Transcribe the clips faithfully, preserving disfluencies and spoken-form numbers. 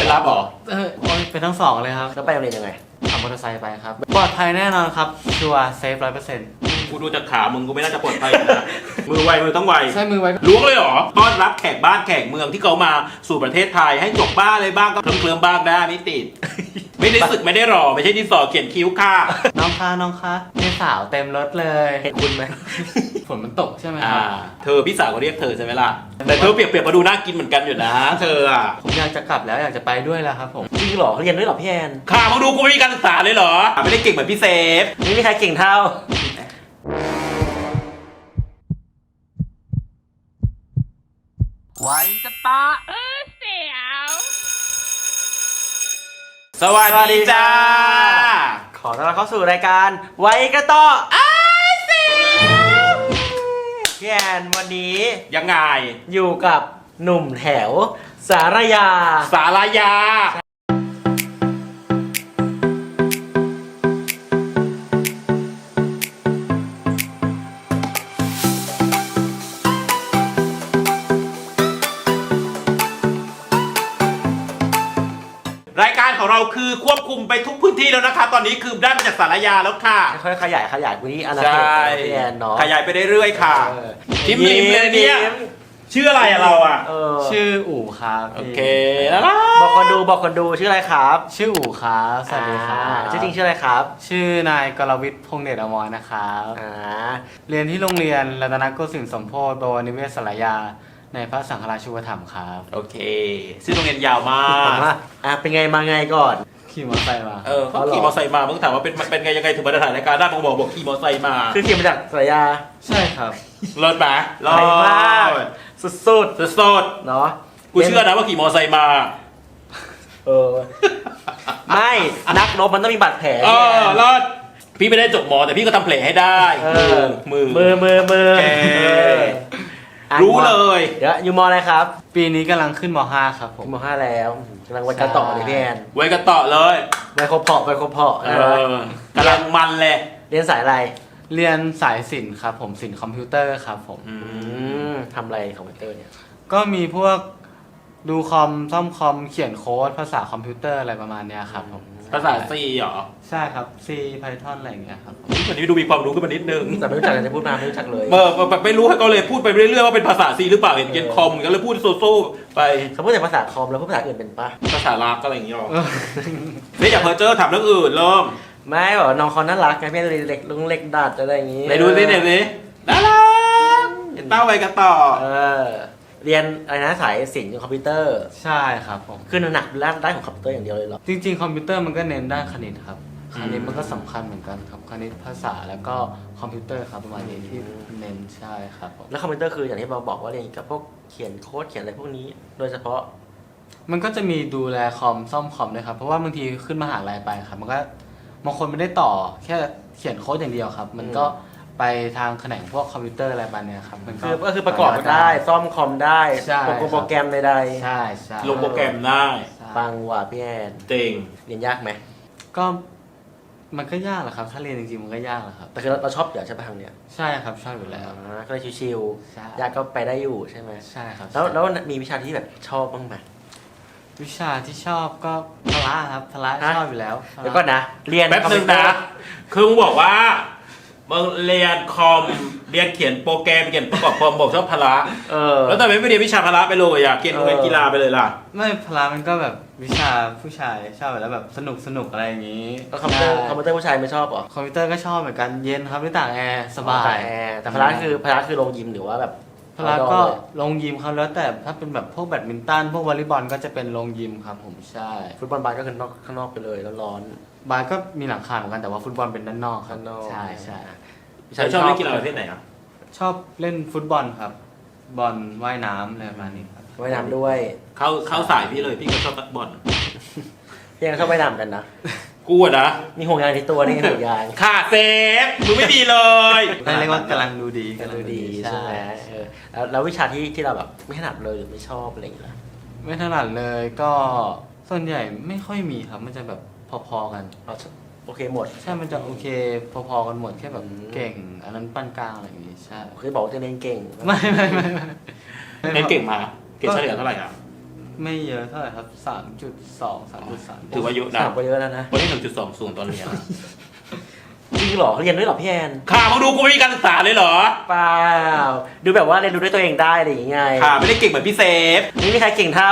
นรับเหรอเออเป็นทั้งสองเลยครับแล้วไปโรงเรียนยังไงขับมอเตอร์ไซค์ไปครับปลอดภัยแน่นอนครับชัวร์เซฟร้อยเปอร์เซ็นต์กูดูจากขามึงกูไม่น่าจะปลอดภัยนะมือไวมือต้องไวใช่มือไวล้วงเลยเหรอต้อนรับแขกบ้านแขกเมืองที่เขามาสู่ประเทศไทยให้จบบ้าเลยบ้างก็เคลิ้มๆบ้างได้ไม่ติดไม่ได้สึกไม่ได้หล่อไม่ใช่ที่สอเขียนคิ้วค่ะน้องคะน้องคะพี่สาวเต็มรถเลยเห็นคุณไหมฝนมันตกใช่ไหมคอ่ารับเธอพี่สาวก็เรียกเธอใช่ไหมล่ะแต่เธอเปรียบเปรียบมาดูน่ากินเหมือนกันอยู่นะเธออ่ะผมอยากจะกลับแล้วอยากจะไปด้วยแล้วครับผมจริงเหรอเรียนด้วยเหรอพี่แอนข่าวมึงดูกูไม่มีการศึกษาเลยเหรอไม่ได้เก่งเหมือนพี่เซฟไม่มีใครเก่งเท่าไว้จะตาเออเสียวสวัสดีจ้าขอต้อนรับเข้าสู่รายการไว้กระต่ออ้าเสียวพี่แอนวันนี้ยังไงอยู่กับหนุ่มแถวสารยาสารยา รายการของเราคือควบคุมไปทุกพื้นที่แล้วนะคะตอนนี้คือได้มาจากสารยาแล้วค่ะค่อยๆขยายขยายพื้นที่อาณาเขตพี่แอนเนาะขยายไปเรื่อยๆค่ะทิมลิมเลยเนี่ยชื่ออะไรอะเราอะชื่ออู๋ครับโอเคแล้วบอกคนดูบอกคนดูชื่ออะไรครับชื่ออู๋ครับสวัสดีครับชื่อจริงชื่ออะไรครับชื่อนายกรวิทย์พงษ์เดชอมรนะครับเรียนที่โรงเรียนรัตนโกสินทร์สมโพธิบวรนิเวศสารยาในพระสังฆราชูปถัมภ์ครับโอเคชื่อโรงเรียนยาวมากอ่ะเป็นไงมาไงก่อนขี่มอเตอร์ไซค์มาเออเขาขี่มอเตอร์ไซค์มาเมื่อถามว่าเป็นเป็นไงยังไงถึงมาถ่ายรายการได้ผมบอกบอกขี่มอเตอร์ไซค์มาคือขี่มาจากสารยาใช่ครับรถมารถมากสุดสุดสุดสุดเนาะกูเชื่อนะว่าขี่มอเตอร์ไซค์มาเออไม่นักรบมันต้องมีบาดแผลเออรถพี่ไม่ได้จบหมอแต่พี่ก็ทำแผลให้ได้มือมือมือมือรู้เลยเดี๋ยวอยู่ม.อะไรครับปีนี้กำลังขึ้นม.ห้าครับผมม.ห้าแล้วกำลังวัยกระต่อเลยพี่แอนวัยกระต่อเลยวัยครบเพาะวัยครบเพาะกำลังมันเลยเรียนสายอะไรเรียนสายศิลป์ครับผมศิลป์คอมพิวเตอร์ครับผมทำอะไรคอมพิวเตอร์เนี่ยก็มีพวกดูคอมซ่อมคอมเขียนโค้ดภาษาคอมพิวเตอร์อะไรประมาณนี้ครับผมภาษา C เหรอใช่ครับ C Python อะไรอย่างเงี้ยครับวันนี้ดูมีความรู้ขึ้นมานิดนึงแต่ไม่รู้จักจะพูดมาไม่รู้จักเลยเออแบบไม่รู้ให้ก็เลยพูดไปเรื่อยๆว่าเป็นภาษา C หรือเปล่าเห็นเขียนคอมก็เลยพูดโซ่ๆไปเขาพูดแต่ภาษาคอมแล้วพูดภาษาอื่นเป็นปะภาษาลากอะไรอย่างเงี้ยหรอไม่อยากเพอเจอถามเรื่องอื่นเริ่มไม่บอกน้องเขาน่ารักไงพี่เล็กลุงเล็กดัดอะไรอย่างงี้ไหนดูสิเนี่ยสิน่ารักเห็นเต้าไปกันต่อเออเรียนอะไรนะสายศิลป์คอมพิวเตอร์ใช่ครับผมคือหนักด้านด้านของคอมพิวเตอร์อย่างเดียวเลยเหรอจริงๆคอมพิวเตอร์มันก็เน้นด้านคณิตครับคณิตมันก็สำคัญเหมือนกันครับคณิตภาษาแล้วก็คอมพิวเตอร์ครับประมาณนี้ที่เน้นใช่ครับผมแล้วคอมพิวเตอร์คืออย่างที่เราบอกว่าเรียนกับพวกเขียนโค้ดเขียนอะไรพวกนี้โดยเฉพาะมันก็จะมีดูแลคอมซ่อมคอมด้วยครับเพราะว่าบางทีขึ้นมหาลัยไปครับมันก็บางคนไม่ได้ต่อแค่เขียนโค้ดอย่างเดียวครับมันก็ไปทางแขนงพวกคอมพิวเตอร์อะไรบ้างเนี่ยครับมันก็คือประกอบได้ซ่อมคอมได้โปรแกรมใดๆใช่ใช่ลงโปรแกรมได้ปังว่ะพี่แอนเต็งเรียนยากไหมก็มันก็ยากแหละครับถ้าเรียนจริงๆมันก็ยากแหละครับแต่คือเราชอบอยู่ใช่ไหมทางเนี้ยใช่ครับชอบอยู่แล้วก็เลยชิวๆยากก็ไปได้อยู่ใช่ไหมใช่ครับแล้วแล้วมีวิชาที่แบบชอบบ้างไหมวิชาที่ชอบก็พละครับพละชอบอยู่แล้วเดี๋ยวก็นะเรียนแป๊บนึงนะคือมึงบอกว่ามึงเรียนคอมเรียนเขียนโปรแกรมเขียนประกอบคอมบอกชอบพละเออแล้วทำไมไม่เรียนวิชาพละไปเลยอ่ะเรียนโรงเรียนกีฬาไปเลยล่ะไม่พละมันก็แบบวิชาผู้ชายชอบแล้วแบบสนุกสนุกอะไรอย่างนี้คอมพิวเตอร์คอมพิวเตอร์ผู้ชายไม่ชอบหรอคอมพิวเตอร์ก็ชอบเหมือนกันเย็นครับไม่ต่างแอร์สบายแต่พละคือพละคือโรงยิมหรือว่าแบบพละก็ลงยิมครับแล้วแต่ถ้าเป็นแบบพวกแบดมินตันพวกวอลเลย์บอลก็จะเป็นลงยิมครับผมใช่ฟุตบอลบาสก็คือนอกข้างนอกไปเลยแล้วร้อนบาสก็มีหลังคาเหมือนกันแต่ว่าฟุตบอลเป็นด้านนอกครับใช่ใช่ชอบเล่นกีฬาประเภทไหนอ่ะชอบเล่นฟุตบอลครับบอลว่ายน้ำอะไรประมาณนี้ครับว่ายน้ำด้วยเข้าเข้าสายพี่เลยพี่ก็ชอบบอลพี่ยังชอบว่ายน้ำกันนะกูอะนะมีห่วงยางที่ตัวนี่ห่วงยางค่ะเซฟมึงไม่ดีเลยเรียกว่ากำลังดูดีกำลังดูดีใช่ไหมแล้วแล้ววิชาที่ที่เราแบบไม่ถนัดเลยหรือไม่ชอบอะไรอย่างเงี้ยไม่ถนัดเลยก็ส่วนใหญ่ไม่ค่อยมีครับมันจะแบบพอๆกันโอเคหมดใช่มันจะโอเคพอๆกันหมดแค่แบบเก่งอันนั้นปานกลางอะไรอย่างงี้ใช่เคยบอกว่าจะเรียนเก่งไม่ไม่ไม่ไม่เรียนเก่งมาเกรดเฉลี่ยเท่าไหร่อ่ะไม่เยอะเท่าไหร่ครับสามจุดสอง สามจุดสามถือว่าเยอะนะสามก็เยอะแล้วนะวันนี้หนึ่งจุดสองศูนย์ตอนเรียนอะจริงเหรอเรียนด้วยเหรอพี่แอนข่ามึงดูกูไม่มีการศึกษาเลยเหรอเปล่าดูแบบว่าเรียนรู้ด้วยตัวเองได้อะไรอย่างเงี้ยข่าไม่ได้เก่งเหมือนพี่เซฟไม่มีใครเก่งเท่า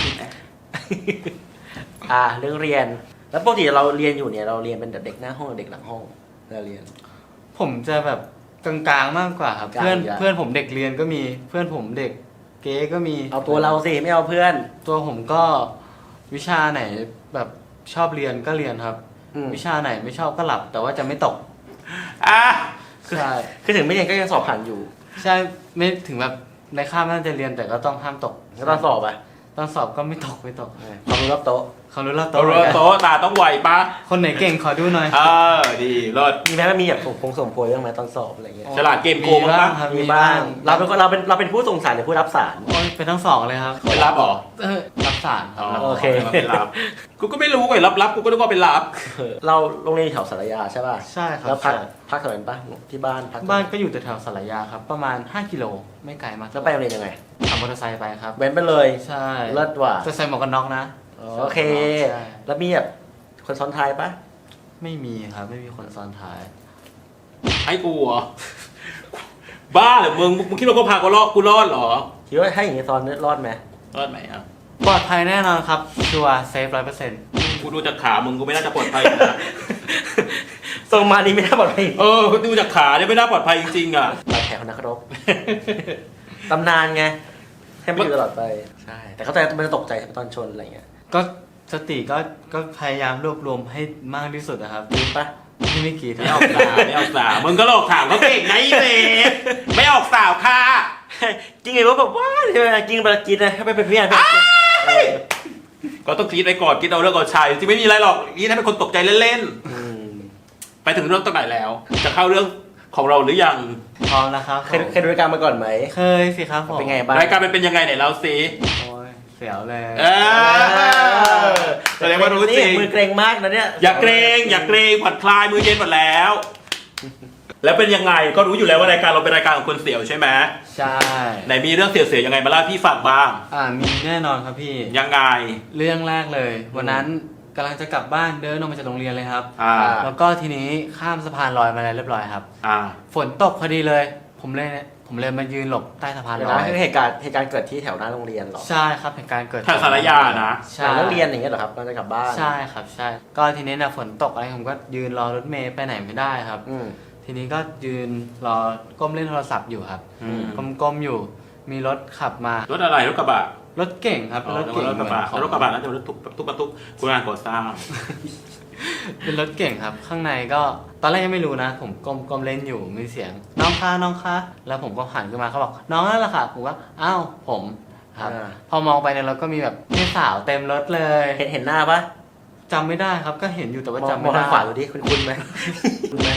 อ่าเรื่องเรียนแล้วปกติเราเรียนอยู่เนี่ยเราเรียนเป็นเด็กหน้าห้องหรือเด็กหลังห้องเราเรียนผมจะแบบกลางๆมากกว่าครับกลางเพื่อนอยู่แล้วเพื่อนผมเด็กเรียนก็มีเพื่อนผมเด็กเก๊ก็มีเอาตัวเราสิไม่เอาเพื่อนตัวผมก็วิชาไหนแบบชอบเรียนก็เรียนครับอืมวิชาไหนไม่ชอบก็หลับ แต่ว่าจะไม่ตกอ่ะใช่คือถึงไม่เรียนก็ยังสอบผ่านอยู่ใช่ไม่ถึงแบบในคาบน่าจะเรียนแต่ก็ต้องห้ามตกแล้วตอนสอบอ่ะตอนสอบก็ไม่ตกไม่ตกความรู้รอบโต๊ะเขารู้แล้วโตโตะเหมือนกันโตตาต้องไวปะคนไหนเก่งขอดูหน่อยเออดีรอดมีไหมมันมีแบบผงผงส่งโพยบ้างไหมตอนสอบอะไรเงี้ยฉลาดเกมโกงมีบ้าปะงครับมีมีบ้าบ้าง งเราเป็นคนเราเป็นเราเป็นผู้ส่งสารหรือผู้รับสารโอ้ยเป็นทั้งสองเลยครับเป็นรับเหรอเออรับสารครับโอเคเป็นรับกูก็ไม่รู้ไงรับรับกูก็นึกว่าเป็นรับเราโรงเรียนอยู่แถวสารยาใช่ป่ะใช่ครับแล้วพักใช่พักแถวนั้นปะที่บ้านพักบ้านก็อยู่แถวๆสารยาครับ ประมาณห้ากิโลไม่ไกลมากแล้วไปโรงเรียนยังไงขับมอเตอร์ไซค์ไปครับเว้นไปเลยใช่เลิศว่ะจะใส่หมวกกันน็อกนะโอเคใช่แล้วมีแบบคนซ้อนท้ายปะไม่มีครับไม่มีคนซ้อนท้ายให้กูเหรอ บ้าเหรอมึงมึงคิดว่ากูพากูรอดกูรอดเหรอคิดว่าถ้าอย่างนี้ซ้อนรอดไหมรอดไหมอ่ะปลอดภัยแน่นอนครับชัวร์เซฟร้อยเปอร์เซ็นต์กูดูจากขามึงกูไม่น่าจะปลอดภัยนะส่งมานี่ไม่น่าปลอดภัยเออดูจากขาเนี่ยไม่น่าปลอดภัยจริงๆอ่ะบาดแผลของนักรบ ตำนานไงให้มันอยู่ตลอดไปใช่แต่เข้าใจมันจะตกใจตอนชนอะไรเงี้ยก็สติก็ก็พยายามรวบรวมให้มากที่สุดนะครับจริงปะที่ไม่กี่ไม่ออกสาวไม่ออกสาวมึงก็หลอกถามเขาเก่งไงเลยไม่ออกสาวค่ะจริงไงว่าแบบว่าใช่ไหมจริงไปกินนะให้ไปเป็นเพื่อนก็ต้องคิดไปก่อนคิดเอาเรื่องเอาชัยจริงไม่มีอะไรหรอกนี่ถ้าเป็นคนตกใจเล่นอืมๆไปถึงเรื่องตรงไหนแล้ว จะเข้าเรื่องของเราหรือยังพร้อมแล้วครับเคยเคยดูรายการมาก่อนไหมเคยสิครับผมเป็นไงบ้างรายการมันเป็นยังไงไหนเราสิโอ้ยเสียวเลยเออแสดงว่ารู้จริงนี่มือเกรงมากนะเนี่ยอย่าเกรงอย่าเกรงผ่อนคลายมือเย็นหมดแล้ว แล้วเป็นยังไงก็รู้อยู่แล้วว่ารายการเราเป็นรายการของคนเสียวใช่ไหมใช่ไหนมีเรื่องเสียวๆยังไงมาเล่าให้พี่ฟังบ้างอ่ามีแน่นอนครับพี่ยังไงเรื่องแรกเลย วันนั้นกำลังจะกลับบ้านเดินออกมาจากโรงเรียนเลยครับอ่าแล้วก็ทีนี้ข้ามสะพานลอยมาแล้วเรียบร้อยครับอ่าฝนตกพอดีเลย ผมเลยผมเลยมายืนหลบใต้สะพานเดี๋ยวลอนะยคือเหตุการณ์เหตุการณ์เกิดที่แถวหน้าโรงเรียนเหรอใช่ครับเหตุการณ์เกิดแถวสารยานะหใช่ลังเลิกเรียนอย่างเงี้ยเหรอครับตอนจะกลับบ้านใช่ครับใช่ ก็ทีนี้เนี่ยฝนตกอะไรผมก็ยืนรอรถเมย์ไปไหนไม่ได้ครับอืมทีนี้ก็ยืนรอก้มเล่นโทรศัพท์อยู่ครับอืมก้มๆอยู่ มีรถขับมารถอะไรรถกระบะรถเก่งครับอ๋อรถเก่งรถกระบะเหมือนของรถกระบะน่าจะรถทุกทุกบรรทุกคุณงานก่อสร้างเป็นรถเก่งครับ ข้างในก็ตอนแรกยังไม่รู้นะ ผมก้มก้มเล่นอยู่มีเสียงน้องคะน้องคะแล้วผมก็หันขึ้นมาเขาบอกน้องนั่นแหละค่ะผมว่าอ้าวผมครับอ่าพอมองไปในรถก็มีแบบพี่สาวเต็มรถเลยเห็นเห็นหน้าปะจำไม่ได้ครับก็เห็นอยู่แต่ว่ามองจำมไม่องได้ทางขวาดูดิคุณคุณไหมคุณไหม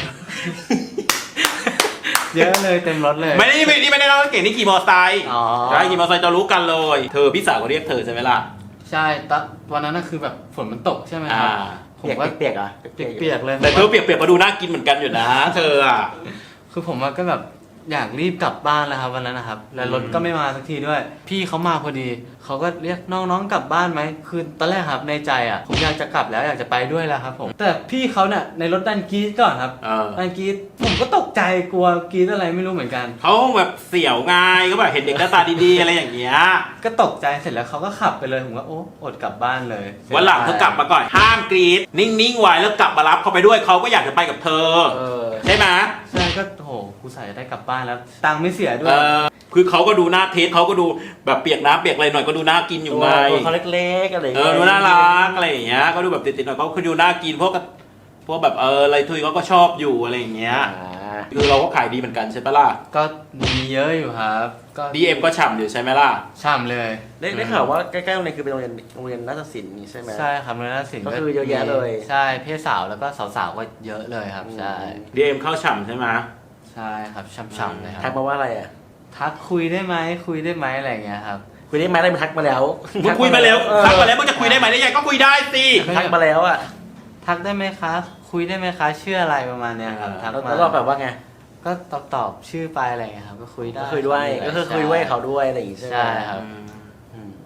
เยอะเลยเต็มรถเลยไม่ได้ไม่นี่ไม่ได้เล่าเก่งนี่ขี่มอเตอร์ไซค์อ๋อใช่ขี่มอเตอร์ไซค์จะรู้กันเลย เธอพี่สาวก็เรียกเธอใช่ไหมล่ะใช่ตอนวันนั้นน่ะคือแบบฝนมันตกใช่ไหมครับอ่าผมเปียกก็เปียกๆอ่ะเปียกๆเลยแต่เธอเปียกๆก็ดูน่ากินเหมือนกันอยู่นะ เธออ่ะคือผมก็แบบอยากรีบกลับบ้านแล้วครับวันนั้นนะครับ แล้วรถก็ไม่มาสักทีด้วย พี่เขามาพอดี เขาก็เรียกน้องๆกลับบ้านไหมคือตอนแรกครับในใจอ่ะผมอยากจะกลับแล้วอยากจะไปด้วยแล้วครับผมแต่พี่เขาเนี่ยในรถดันกรีดก่อนครับเออดันกรีดผมก็ตกใจกลัวกรีดอะไรไม่รู้เหมือนกันเขาแบบเสี่ยวไงก็แบบเห็นเด็กหน้าตาดีๆอะไรอย่างเงี้ยก็ตกใจเสร็จแล้วเขาก็ขับไปเลยผมก็โอ้อดกลับบ้านเลยวันหลังเธอกลับมาก่อนห้ามกรีดนิ่งๆไว้แล้วกลับมารับเขาไปด้วยเขาก็อยากจะไปกับเธอเออใช่ไหมใช่ก็โหกูใส่ได้กลับบ้านแล้วตังค์ไม่เสียด้วเอย อคือเขาก็ดูหน้าเทสเขาก็ดูแบบเปียกน้ำเปียกอะไรหน่อยก็ดูน่ากินอยู่ตัวไงตัวเขาเล็กๆอะไรอย่างเอเงี้อย ดูน่ารักอะไรอย่างเงี้ยก็ดูแบบติดๆหน่อยก็คือดูน่ากินพวกก็พวกแบบเอออะไรทุยเขาก็ชอบอยู่อะไรอย่างเงี้ยอ่าคือเราก็ขายดีเหมือนกันใช่ปะล่ะก็มีเยอะอยู่ครับ ก็ดี เอ็ม ก็ฉ่ำอยู่ใช่ไหมล่ะช่ำเลยได้ได้ข่าวว่าใกล้ๆโรงเรียนคือเป็นโรงเรียนโรงเรียนนาฏศิลป์นี่ใช่ไหมใช่ครับแล้วสินก็คือเยอะแยะเลยใช่เพศสาวแล้วก็สาวๆก็เยอะเลยครับ ใช่ดี เอ็ม เข้าฉ่ำใช่ไหมใช่ครับช่ำๆเลยคทัรักบมาว่าอะไรอ่ะทักคุยได้ไหมคุยได้ไหมอะไรอย่างเงี้ยครับคุยได้ไหมได้มาทักมาแล้วมึงคุยมาแล้วเออทักมาแล้วมึงจะคุยได้ไหมได้ยังก็คุยได้สิทักมาแล้วอ่ะทักได้ไหมคะคุยได้ไหมคะชื่ออะไรประมาณเนี้ยครับทักแล้วมาแล้วเราแบบว่าไงก็ตอบตอบชื่อไปอะไรอย่างเงี้ยครับก็คุยได้ก็คุยด้วยก็คือคุยด้วยเขาด้วยอะไรอย่างงี้ใช่ไหมใช่ครับอืม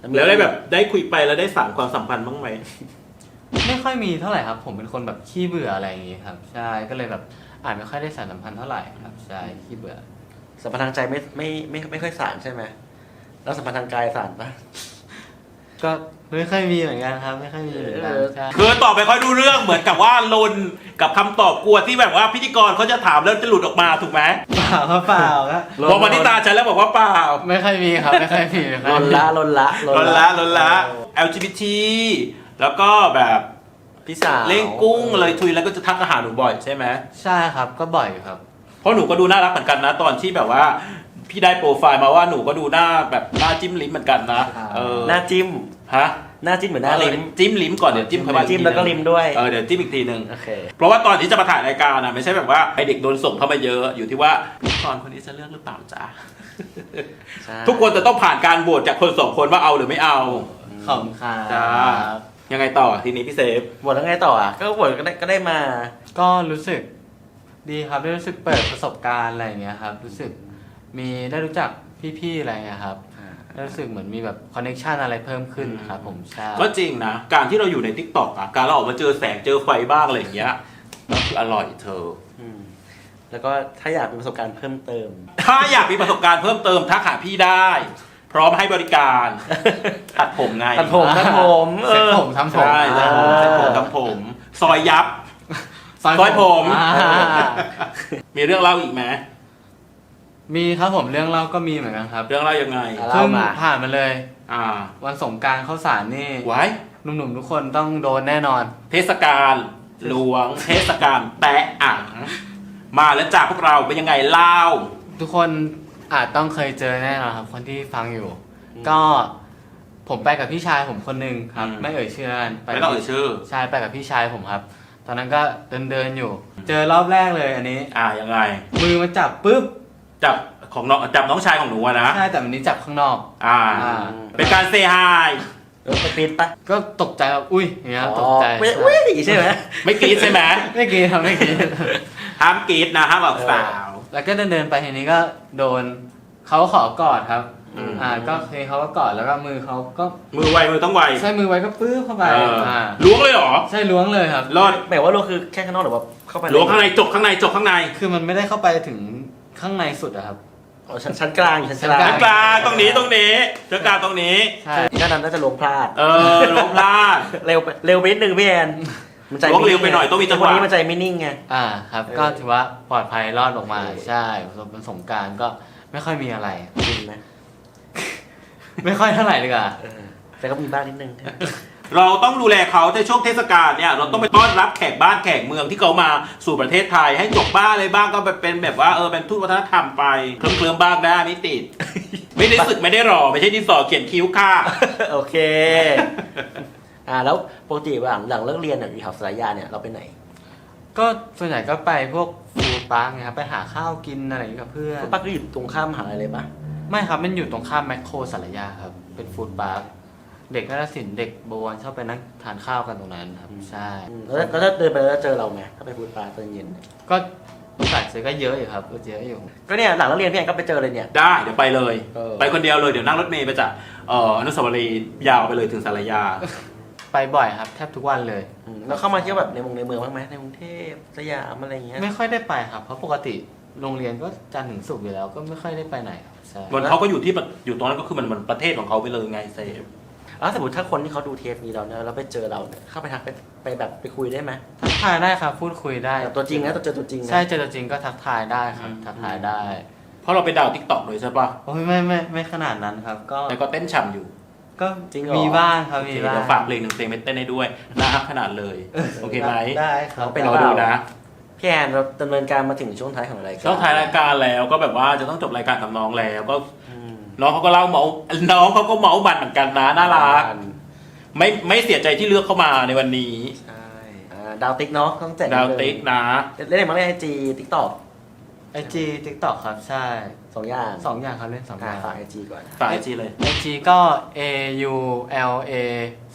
แล้วได้แบบได้คุยไปแล้วได้สานความสัมพันธ์บ้างไหมไม่ค่อยมีเท่าไหร่ครับ ผมเป็นคนแบบขี้เบื่ออะไรอย่างงี้ครับใช่ก็เลยแบบอ่านไม่ค่อยได้สานสัมพันธ์เท่าไหร่ครับใช่ขี้เบื่อสัมพันธ์ทางใจไม่ไม่ไม่ไม่ค่อยสานใช่ไหมแล้วสัมพันธ์ทางกายสานปะก็ไม่ค่อยมีเหมือนกันครับไม่ค่อยมีเหมือนกันใช่คือตอบไปค่อยดูเรื่องเหมือนกับว่าลนกับคำตอบกลัวที่แบบว่าพิธีกรเขาจะถามแล้วจะหลุดออกมาถูกไหมเปล่าครับเปล่าครับพอมาที่ตาฉันแล้วบอกว่าเปล่าไม่ค่อยมีครับไม่ค่อยมีไม่ค่ลอยนมีละลนละลนละลนละ แอล จี บี ที แล้วก็แบบพี่สาวเล่งกุ้งเลยทุยแล้วก็จะทักอาหารหนูบ่อยใช่ไหมใช่ครับก็บ่อยอยู่ครับเพราะหนูก็ดูน่ารักเหมือนกันนะ ตอนที่แบบว่าพี่ได้โปรไฟล์มาว่าหนูก็ดูหน้าแบบหน้าจิ้มลิ้มเหมือนกันนะเออหน้าจิ้มฮะหน้าจิ้มเหมือนหน้าลิ้มจิ้มลิ้มก่อนเดี๋ยวจิ้มเข้ามาจิ้มแล้วก็ลิ้มด้วยเออเดี๋ยวจิ้มอีกทีหนึ่งโอเคเพราะว่าตอนที่จะมาถ่ายรายการนะไม่ใช่แบบว่าไอเด็กโดนส่งเข้ามาเยอะอยู่ที่ว่าพิธีกรคนนี้จะเลือกหรือเปล่าจ๊ะใช่ทุกคนจะต้องผ่านการโหวตจากคนสองคนว่าเอาหรือไม่เอาขอบคุณครับจ้า ยังไงต่อทีนี้พี่เซฟบทแล้วไงต่ออ่ะก็บทก็ได้ก็ได้มาก็รู้สึกดีครับได้รู้สึกเปิดประสบการณ์อะไรอย่างเงี้ยครับรู้สึกมีได้รู้จักพี่ๆอะไรเงี้ยครับได้รู้สึกเหมือนมีแบบคอนเนคชันอะไรเพิ่มขึ้นครับผมใช่ก็จริงนะ การที่เราอยู่ในทิกตอกอ่ะการเราออกมาเจอแสงเจอไฟบ้างอะไรอย่างเงี้ยก็คืออร่อยเธออืมแล้วก็ถ้าอยากมีประสบการณ์เพิ่มเติมถ้าอยากมีประสบการณ์เพิ่มเติมทักหาพี่ได้ พร้อมให้บริการตัดผมไงตัดผมตัดผมเอเซ็ตอผมทำผมใช่ตัดผมอ่าเซ็ตผมทำผม ซอยยับ ซอยผมอ่ามีเรื่องเล่าอีกไหมมีครับผมเรื่องเล่าก็มีเหมือนกันครับเรื่องเล่ายังไงอ่ะเพิ่งผ่านมาเลยอ่าวันสงกรานต์เข้าสารนี่ไว้หนุ่มๆทุกคนต้องโดนแน่นอนเทศกาลหลวง เทศกาลแตะอ่างมาแล้วจากพวกเราเป็นยังไงเล่าทุกคนอาจต้องเคยเจอแน่นอนครับ คนที่ฟังอยู่ ก็ผมไปกับพี่ชายผมคนหนึ่งครับอืมไม่เอ่ยชื่อแล้วกันไม่ต้องเอ่ยชื่อใช่ไปกับพี่ชายผมครับ ตอนนั้นก็เดินเดินๆอยู่ เจอรอบแรกเลยอันนี้อ่ายังไงมือมาจับปุ๊บจับของน้องจับน้องชายของหนูอะนะใช่แต่อันนี้จับข้างนอกอ่าอ่าเป็นการเซฮายเออไปปิดปะก็ตกใจแบบอุ้ยอย่างเงี้ยตกใจไม่อุ้ยใช่ไหมไม่กรี๊ดใช่ไหมไม่กรีดครับไม่กรีดห้ามกรี๊ดนะห้ามบอกสาวแล้วก็เดินเดินๆไปทีนี้ก็โดนเขาขอกอดครับอืมอ่าก็เคยเขาก็กอดแล้วก็มือเขาก็มือไวมือต้องไวใช้มือไว้ก็ปื้อเข้าไปเอออ่าล้วงเลยเหรอใช่ล้วงเลยครับรอดหมายว่าเราคือแค่ข้างนอกหรือว่าเข้าไปล้วงข้างในจกข้างในจกข้างในคือมันไม่ได้เข้าไปถึงข้างในสุดอะครับอ๋อชั้นชั้นกลางอยู่ชั้นกลาชั้งนกลางตรงนี้ตรงนี้เจ้ากลางตรงนี้ใช่ด้านนั้นน่าจะลงพลาดเออล้วงพลาดเร็วไปเร็วไปนิดนึงพี่แอนมันใจล้วงเร็วไปหน่อยต้องมีจังหวะคนนี้มันใจไม่นิ่งไงอ่าครับเออก็ถือว่าปลอดภัยรอดออกมาโอเคใช่เป็นสงกรารก็ไม่ค่อยมีอะไรจริงไหมไม่ค่อยเท่าไหร่เลยอ่ะเออแต่ก็มีบ้างนิดนึงเราต้องดูแลเขาในช่วงเทศกาลเนี่ยเราต้องไปต้อนรับแขกบ้านแขกเมืองที่เขามาสู่ประเทศไทยให้จบบ้านอะไรบ้างก็เป็นแบบว่าเออเป็นทูตวัฒนธรรมไปเคลิ้มๆบ้างได้ไม่ติด ไม่ได้สึกไม่ได้รอไม่ใช่ดินสอเขียนคิ้วค่ะโอเค อ่าแล้วปกติหลังหลังเลิกเรียนเนี่ยอยู่แถวสารยาเนี่ยเราไปไหนก็ส่วนใหญ่ก็ไปพวกฟู้ดปาร์กไงครับไปหาข้าวกินอะไรอย่างเงี้ยกับเพื่อนป้าก็อยู่ตรงข้ามมหาลัยเลยปะไม่ครับมันอยู่ตรงข้ามแมคโครสารยาครับเป็นฟู้ดปาร์คเด็กนักศิลป์เด็กบวรชอบไปนั่งทานข้าวกันตรงนั้นครับใช่อืมแล้วแล้วถ้าเดินไปแล้วเจอเราไหมถ้าไปพูดปลาตอนเย็นก็โอกาสเจอก็เยอะอยู่ครับก็เยอะอยู่ก็เนี่ยหลังเลิกเรียนพี่แอนก็ไปเจอเลยเนี่ยได้เดี๋ยวไปเลยเออไปคนเดียวเลยเดี๋ยวนั่งรถเมล์ไปจากเอ่ออนุสาวรีย์ยาวไปเลยถึงสารยาไปบ่อยครับแทบทุกวันเลยอืมแล้วเข้ามาเที่ยวแบบในเมืองในเมืองบ้างไหมในกรุงเทพสยามอะไรอย่างเงี้ยไม่ค่อยได้ไปครับเพราะปกติโรงเรียนก็จันทร์ถึงศุกร์อยู่แล้วก็ไม่ค่อยได้ไปไหนครับใช่มันเขาก็อยู่ที่ประอยู่ตรงนั้นก็คือมันมันประเทศของเขาไปเลยไงเซฟแล้วสมมติถ้าคนที่เขาดูเทปนี้เราเนี่ยแล้วไปเจอเราเนี่ยเข้าไปทักไปไปแบบไปคุยได้ไหมทักทายได้ครับพูดคุยได้แบบตัวจริงนะตัวเจอตัวจริงนะใช่เจอตัวจริงก็ทักทายได้ครับทักทายได้เพราะเราเป็นดาวทิกตอกเลยใช่ปะโอ้ยไม่ไม่ไม่ขนาดนั้นครับ ก็แต่ก็เต้นฉ่ำอยู่ก็จริงเหรอมีบ้างครับโอเคมีบ้างเดี๋ยวฝากเพลงหนึ่งเพลงไปเต้นให้ด้วยน่ารักขนาดเลยโอเคไหมได้ครับไปรอดูนะพี่แอนเราดำเนินการมาถึงช่วงท้ายของรายการช่วงท้ายรายการแล้วก็แบบว่าจะต้องจบรายการกับน้องแล้วก็อืมน้องเขาก็เล่าเมาน้องเขาก็เมาบันเหมือนกันนะน่ารักไม่ไม่เสียใจที่เลือกเข้ามาในวันนี้ใช่อ่าดาวติ๊กเนาะต้องแจกดาวติ๊กนะเล่นมาเล่นไอจีติ๊กต็อกไอจีทิกตอกครับใช่สองอย่างสองอย่างครับเล่นสองออ่าย่างฝากไอจีก่อนฝากไอจีเลยไอจีก็ A U L A Z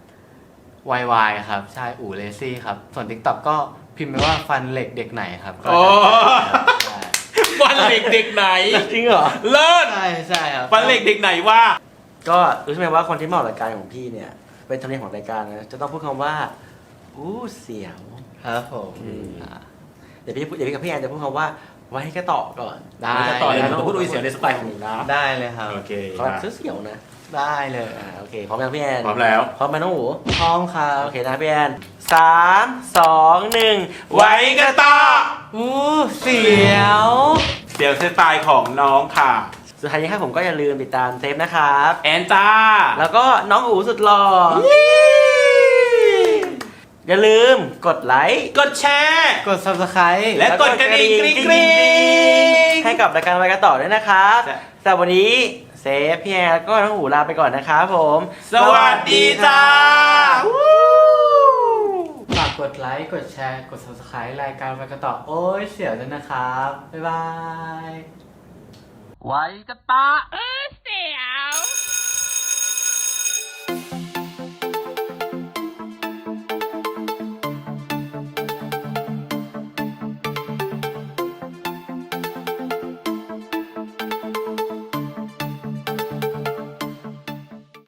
Y Y ครับใช่อู่เลซี่ครับส่วน TikTok ก็พิมพ์ไปว่าฟันเหล็กเด็กไหนครับก็โอ้ใช่ฟันเหล็กเด็กไหนจริงเหรอเลิศใช่ใช่ครับฟันเหล็กเด็กไหนว่าก็รู้ใช่ไหมว่าคนที่มาออกรายการของพี่เนี่ย เป็นธรรมเนียมของรายการนะจะต้องพูดคำว่าอู้เสียวครับผมอ่าเดี๋ยวพี่เดี๋ยวพี่กับพี่แอนจะพูดคำว่าไว้ก็ต่อก่อนได้จะต่อเลยได้เราพูดอุ้ยเสียวในสไตล์ของหนูนะได้เลยครับโอเคขอแบบเสียวๆนะได้เลยอ่าโอเคพร้อมยังพี่แอนพร้อมแล้วพร้อมไหมน้องหูพร้อมครับโอเคนะพี่แอนสามสองหนึ่งไว้ก็ต่ออู้เสียวเสียวสไตล์ของน้องค่ะสุดท้ายนี้ครับผมก็อย่าลืมติดตามเซฟนะครับแอนจ้าแล้วก็น้องอูสุดหล่ออย่าลืมกดไลค์กดแชร์กด subscribe และกดกระดิ่งกริ๊งกริ๊งให้กับรายการไว้กันต่อด้วยนะครับใช่สำหรับวันนี้เซฟพี่แอนแล้วก็น้องอูลาไปก่อนนะครับผมสวัสดีจ้าฝากกดไลค์ กดแชร์ กด subscribe รายการไปกันต่อ โอ้ยเสียวด้วยนะครับ บ๊ายบายไว้กันต่อเออเสียว